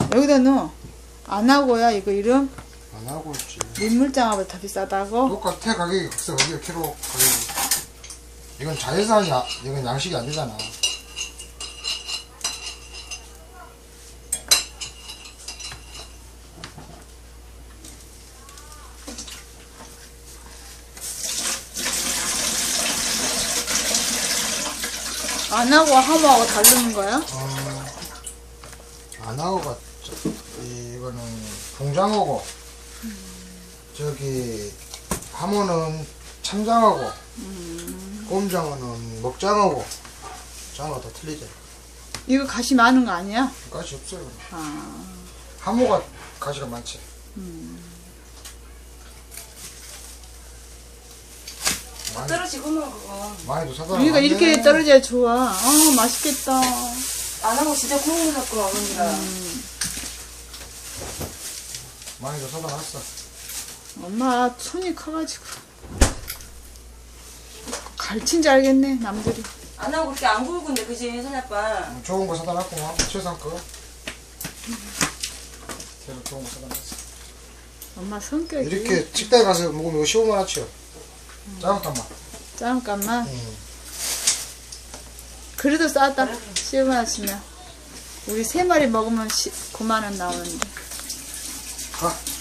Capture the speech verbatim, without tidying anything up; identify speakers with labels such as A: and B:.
A: 여기다 넣어. 안 하고야 이거 이름?
B: 안 하고 있지.
A: 민물장어보다 더 비싸다고?
B: 똑같아 가격이. 글쎄 거기가 키로 가격이. 이건 자연산이야. 이건 양식이 안 되잖아.
A: 안 하고 하모하고 다르는 거야?
B: 어, 안 하고가 저, 이거는 동장어고 음. 저기 하모는 참장어고 음. 꼼장어는 먹장어고. 장어가 다 틀리죠.
A: 이거 가시 많은 거 아니야?
B: 가시 없어요.
A: 아.
B: 하모가 가시가 많지. 음.
C: 떨어지구만 그거.
B: 많이도 사다.
A: 그러니까 이렇게 떨어져야 좋아. 아 맛있겠다.
C: 안 하고 진짜 구운 거 샀구나 어머니가.
A: 음.
B: 많이도 사다 놨어.
A: 엄마 손이 커가지고 갈친 줄 알겠네 남들이.
C: 안 하고 그렇게 안 굵은데 그지 선아빠.
B: 좋은 거 사다 놨고 최상 거. 계속 좋은 거 사다 놨어.
A: 엄마 성격이
B: 이렇게 식당에 가서 먹으면 이거 십오만 원치요. 음. 잠깐만.
A: 잠깐만.
B: 음.
A: 그래도 싸다. 십오만 원치면 우리 세 마리 먹으면 구만 원 나오는데.
B: 가.